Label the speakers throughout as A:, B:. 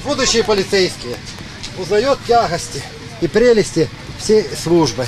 A: Будущие полицейские узнают тягости и прелести всей службы.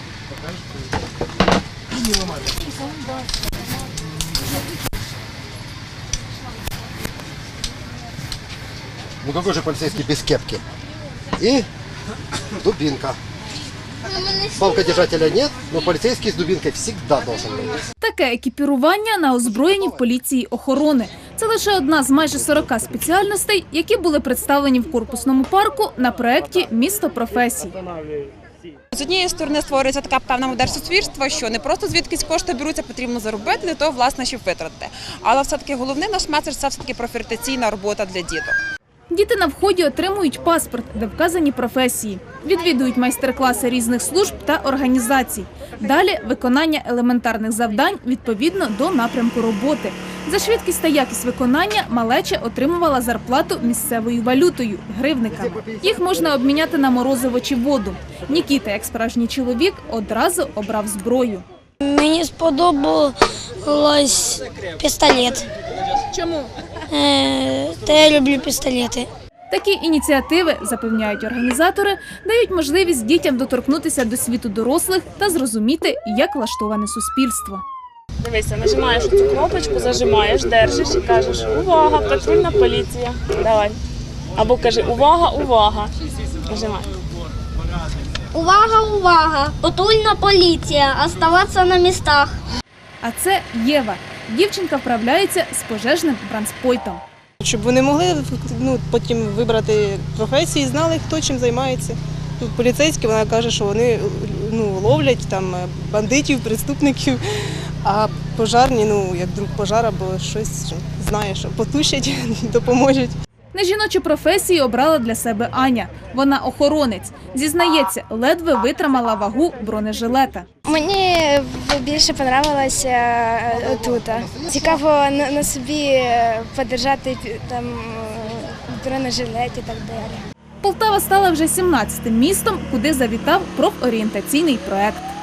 A: Ну какой же полицейский без кепки? И дубинка. Палкодержателя нет, но полицейский с дубинкой всегда должен быть.
B: Таке екіпірування на озброєнні в поліції охорони. Це лише одна з майже 40 спеціальностей, які були представлені в корпусному парку на проєкті «Місто професій».
C: З однієї сторони створюється така певна модель суспільства, що не просто звідкись кошти беруться, потрібно заробити, для того, власне, щоб витратити. Але все-таки головний наш меседж – це все-таки профорієнтаційна робота для діток.
B: Діти на вході отримують паспорт, де вказані професії. Відвідують майстер-класи різних служб та організацій. Далі – виконання елементарних завдань відповідно до напрямку роботи. За швидкість та якість виконання малеча отримувала зарплату місцевою валютою – гривниками. Їх можна обміняти на морозиво чи воду. Нікіта, як справжній чоловік, одразу обрав зброю.
D: Мені сподобалось пістолет.
B: Чому?
D: Та я люблю пістолети.
B: Такі ініціативи, запевняють організатори, дають можливість дітям доторкнутися до світу дорослих та зрозуміти, як влаштоване суспільство.
E: Дивися, нажимаєш цю кнопочку, зажимаєш, держиш і кажеш «Увага, патрульна поліція». Давай. Або кажи «Увага, увага». Нажимай.
D: Увага, увага! Патрульна поліція! Оставатися на містах.
B: А це Єва. Дівчинка вправляється з пожежним бронспойтом.
F: Щоб вони могли потім вибрати професію і знали, хто чим займається. Тут поліцейські, вона каже, що вони ловлять там бандитів, преступників, а пожарні, як друг пожар або щось, знає, що потушать, допоможуть.
B: Нежіночу професію обрала для себе Аня. Вона охоронець. Зізнається, ледве витримала вагу бронежилета.
G: Мені більше подобалося тут. Цікаво на собі подержати там бронежилет і так далі.
B: Полтава стала вже 17-тим містом, куди завітав профорієнтаційний проект.